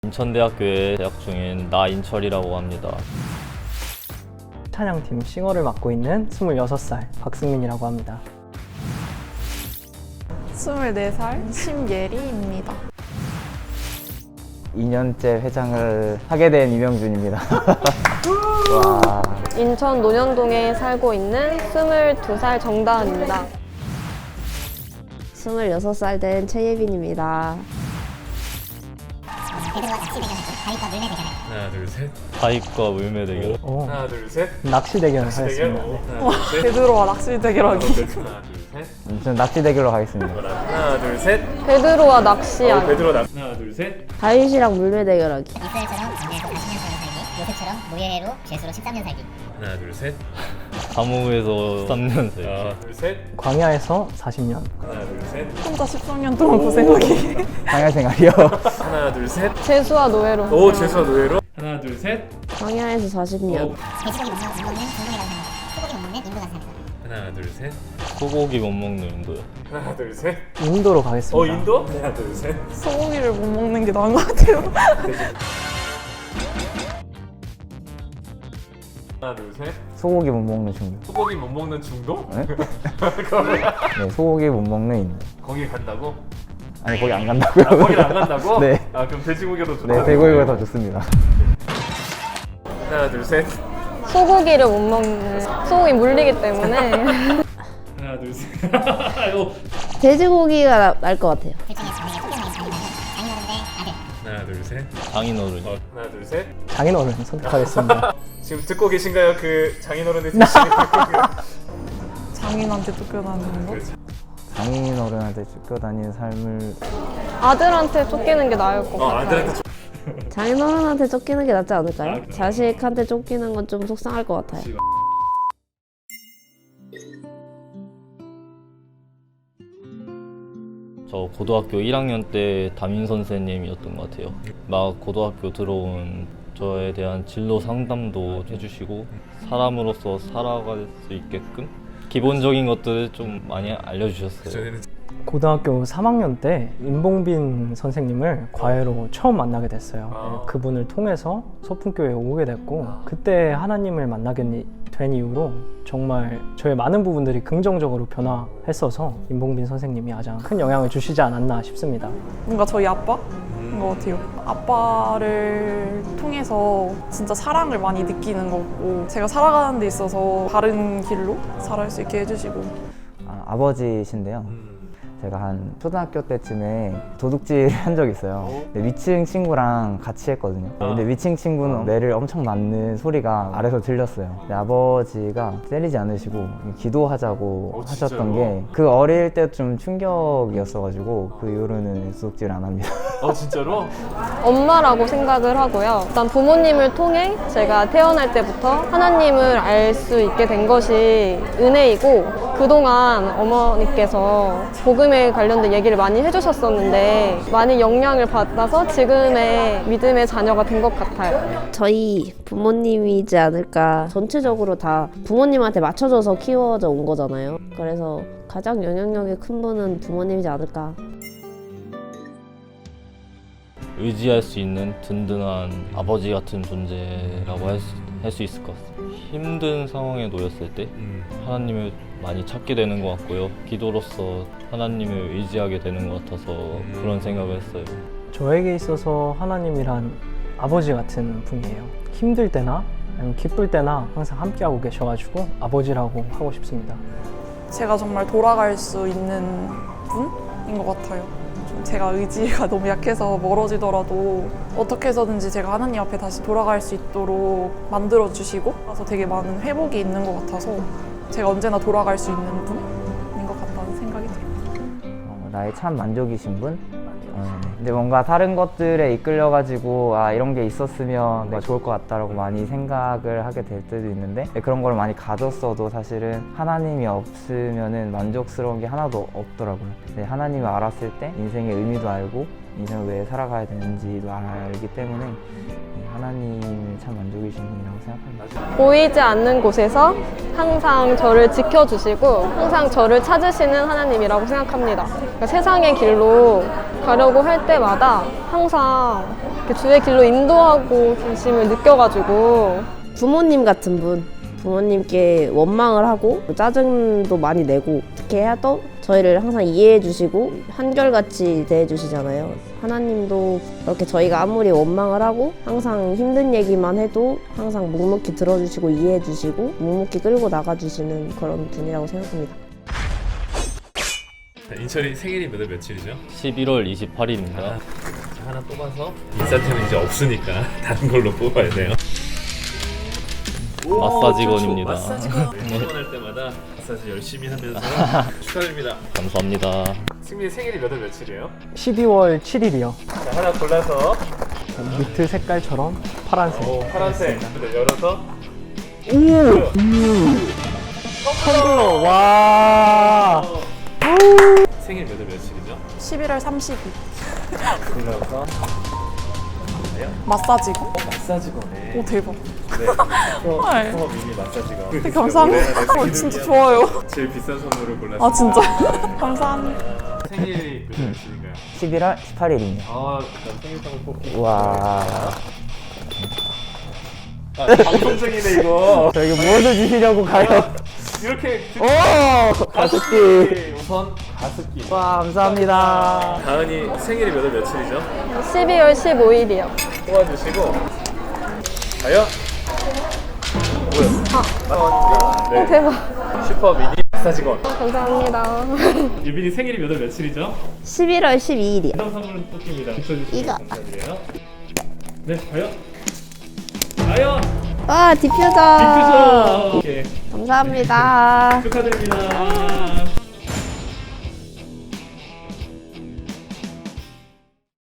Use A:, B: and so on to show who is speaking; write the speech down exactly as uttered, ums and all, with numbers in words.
A: 인천대학교에 재학 중인 나인철이라고 합니다.
B: 찬양팀 싱어를 맡고 있는 스물여섯 살 박승민이라고 합니다.
C: 스물네 살 심예리입니다.
D: 이 년째 회장을 하게 된 이명준입니다. 와.
E: 인천 논현동에 살고 있는 스물두 살 정다은입니다.
F: 스물여섯 살 된 최예빈입니다.
G: 하나 둘 셋.
A: 다익과 물매 대결.
B: 어,
G: 하나 둘 셋.
B: 낚시 대결을
G: 대결.
B: 하였습니다.
G: 오,
B: 네.
G: 하나 둘 셋.
C: 베드로와 낚시 대결하기.
G: 하나 둘 셋.
D: 저는 낚시 대결로 가겠습니다.
G: 하나 둘 셋.
E: 베드로와
G: 어,
E: 낚시하기.
G: 베드로 낚. 하나 둘 셋.
F: 다윗이랑 물매 대결하기.
H: 이스라엘처럼 광야에서 사십 년 살기, 요셉처럼 노예로 죄수로 십삼 년 살기.
G: 하나 둘 셋.
A: 감옥에서 삼 년 살.
G: 하나 둘 셋.
B: 광야에서 사십 년.
G: 하나 둘 셋.
C: 혼자 십삼 년 동안 고생하기.
D: 방야 생활이요.
G: 하나 둘 셋.
E: 재수와 노예로.
G: 오, 죄수와 노예로. 하나 둘 셋.
F: 광야에서 사십 년.
H: 돼지고기 못 먹는 중동이라고 생각합니다. 소고기 못 먹는 인도가 생각합니다.
G: 하나 둘 셋.
A: 소고기 못 먹는 인도요.
G: 하나 둘 셋.
B: 인도로 가겠습니다.
G: 어, 인도? 하나 둘 셋.
C: 소고기를 못 먹는 게 나은 것 같아요.
G: 하나 둘 셋.
D: 소고기 못 먹는 중독.
G: 소고기 못 먹는 중독?
D: 네?
G: 그거 뭐야?
D: 네, 소고기 못 먹는 인도.
G: 거기 간다고?
D: 아니 거기 안 간다고요.
G: 아, 거기를 안 간다고?
D: 네.
G: 아, 그럼 돼지고기가 더 좋다.
D: 네, 돼지고기가 더 좋습니다.
G: 하나 둘 셋.
E: 소고기를 못 먹는. 소고기 물리기 때문에.
G: 하나 둘 셋. 아이고.
F: 돼지고기가 날 것 같아요.
H: 둘 중에 장래에 토끼어머니 장인어른 장인어른 대 아들.
G: 하나 둘 셋.
A: 장인어른.
G: 어, 하나 둘 셋.
B: 장인어른 선택하겠습니다.
G: 지금 듣고 계신가요? 그 장인어른의 대신에
C: 장인한테 쫓겨나는 거.
D: 장인 어른한테 쫓겨다니는 삶을
E: 아들한테 쫓기는 게 나을 것
G: 어,
E: 같아요.
G: 아들한테 좀
F: 장인어른한테 쫓기는 게 낫지 않을까요? 자식한테 쫓기는 건 좀 속상할 것 같아요.
A: 저 고등학교 일 학년 때 담임 선생님이었던 것 같아요. 막 고등학교 들어온 저에 대한 진로 상담도 해주시고 사람으로서 살아갈 수 있게끔 기본적인 것들을 좀 많이 알려주셨어요.
G: 전에는
B: 고등학교 삼 학년 때 임봉빈 선생님을 과외로 처음 만나게 됐어요.
G: 아.
B: 네, 그분을 통해서 소풍교회에 오게 됐고 그때 하나님을 만나게 된 이후로 정말 저의 많은 부분들이 긍정적으로 변화했어서 임봉빈 선생님이 가장 큰 영향을 주시지 않았나 싶습니다.
C: 뭔가 저희 아빠인 것 같아요. 아빠를 통해서 진짜 사랑을 많이 느끼는 거고 제가 살아가는 데 있어서 바른 길로 살아갈 수 있게 해주시고.
D: 아, 아버지신데요. 제가 한 초등학교 때쯤에 도둑질 한 적이 있어요. 근데 위층 친구랑 같이 했거든요. 근데 위층 친구는 매를 엄청 맞는 소리가 아래서 들렸어요. 근데 아버지가 때리지 않으시고 기도하자고
G: 어,
D: 하셨던
G: 진짜요?
D: 게 그 어릴 때 좀 충격이었어가지고 그 이후로는 도둑질 안 합니다.
G: 어, 진짜로?
E: 엄마라고 생각을 하고요. 일단 부모님을 통해 제가 태어날 때부터 하나님을 알 수 있게 된 것이 은혜이고 그동안 어머니께서 복음에 관련된 얘기를 많이 해주셨었는데 많이 영향을 받아서 지금의 믿음의 자녀가 된 것 같아요.
F: 저희 부모님이지 않을까. 전체적으로 다 부모님한테 맞춰져서 키워져 온 거잖아요. 그래서 가장 영향력이 큰 분은 부모님이지 않을까.
A: 의지할 수 있는 든든한 아버지 같은 존재라고 할 수, 할 수 있을 것 같습니다. 힘든 상황에 놓였을 때
G: 음.
A: 하나님을 많이 찾게 되는 것 같고요. 기도로서 하나님을 의지하게 되는 것 같아서 그런 생각을 했어요.
B: 저에게 있어서 하나님이란 아버지 같은 분이에요. 힘들 때나 아니면 기쁠 때나 항상 함께하고 계셔가지고 아버지라고 하고 싶습니다.
C: 제가 정말 돌아갈 수 있는 분인 것 같아요. 좀 제가 의지가 너무 약해서 멀어지더라도 어떻게 해서든지 제가 하나님 앞에 다시 돌아갈 수 있도록 만들어주시고 그래서 되게 많은 회복이 있는 것 같아서 제가 언제나 돌아갈 수 있는 분인 것 같다는 생각이 들어요.
D: 어, 나의 참 만족이신 분? 어, 네. 근데 뭔가 다른 것들에 이끌려가지고 아 이런 게 있었으면 내가 좋을 것 같다라고 많이 생각을 하게 될 때도 있는데 그런 걸 많이 가졌어도 사실은 하나님이 없으면은 만족스러운 게 하나도 없더라고요. 근데 하나님을 알았을 때 인생의 의미도 알고 인생을 왜 살아가야 되는지도 알기 때문에 하나님이 참 만족이신 분이라고 생각합니다.
E: 보이지 않는 곳에서 항상 저를 지켜주시고 항상 저를 찾으시는 하나님이라고 생각합니다. 그러니까 세상의 길로 가려고 할 때마다 항상 이렇게 주의 길로 인도하고 계심을 느껴가지고
F: 부모님 같은 분, 부모님께 원망을 하고 짜증도 많이 내고 어떻게 해도 저희를 항상 이해해 주시고 한결같이 대해 주시잖아요. 하나님도 그렇게 저희가 아무리 원망을 하고 항상 힘든 얘기만 해도 항상 묵묵히 들어주시고 이해해 주시고 묵묵히 끌고 나가 주시는 그런 분이라고 생각합니다.
G: 자, 인철이 생일이 몇월 며칠이죠?
A: 십일월 이십팔일입니다.
G: 자, 하나 뽑아서 인싸템은 이제 없으니까 다른 걸로 뽑아야 돼요.
A: 마사지건입니다.
G: 마사지건. 퇴근할 때마다 마사지 열심히 하면서 축하드립니다.
A: 감사합니다.
G: 승민이 생일이 몇월 며칠이에요?
B: 십이월 칠일이요.
G: 자, 하나 골라서
B: 니트 색깔처럼 파란색.
G: 오, 파란색. 네, 열어서
B: 텀블러. 와.
G: 생일 몇월 며칠이죠?
C: 십일월 삼십일.
G: 골라서
C: 마사지고?
G: 마사지건에
C: 오 대박.
G: 네.
C: 헐.
G: 슈퍼 미니 마사지건.
C: 되게 감사합니다. 어, 진짜 좋아요.
G: 제일 비싼 선물을 골랐습니다.
C: 아 진짜 감사합니다.
G: 생일이 몇월 며칠인가요?
D: 십일월 십팔일입니다.
G: 아, 난 생일상을 뽑기.
D: 와.
G: 아, 방송 중이네 이거.
D: 저에게 무엇을 주시려고 가요?
G: 이렇게
D: 오! 가습기.
G: 우선 가습기.
D: 와, 감사합니다.
G: 다은이 생일이 몇월 며칠이죠?
E: 십이월 십오일이요.
G: 뽑아주시고 과연
E: 아,
G: 네.
E: 대박.
G: 슈퍼 미니 마사지건.
E: 감사합니다.
G: 유빈이 생일이 몇월 며칠이죠?
F: 십일월 십이일이요.
G: 이런 선물은 뽑힙니다. 붙여주시고
F: 이거.
G: 감사드려요. 네, 과연 과연
F: 와, 디퓨저.
G: 디퓨저. 오케이.
F: 감사합니다.
G: 축하드립니다.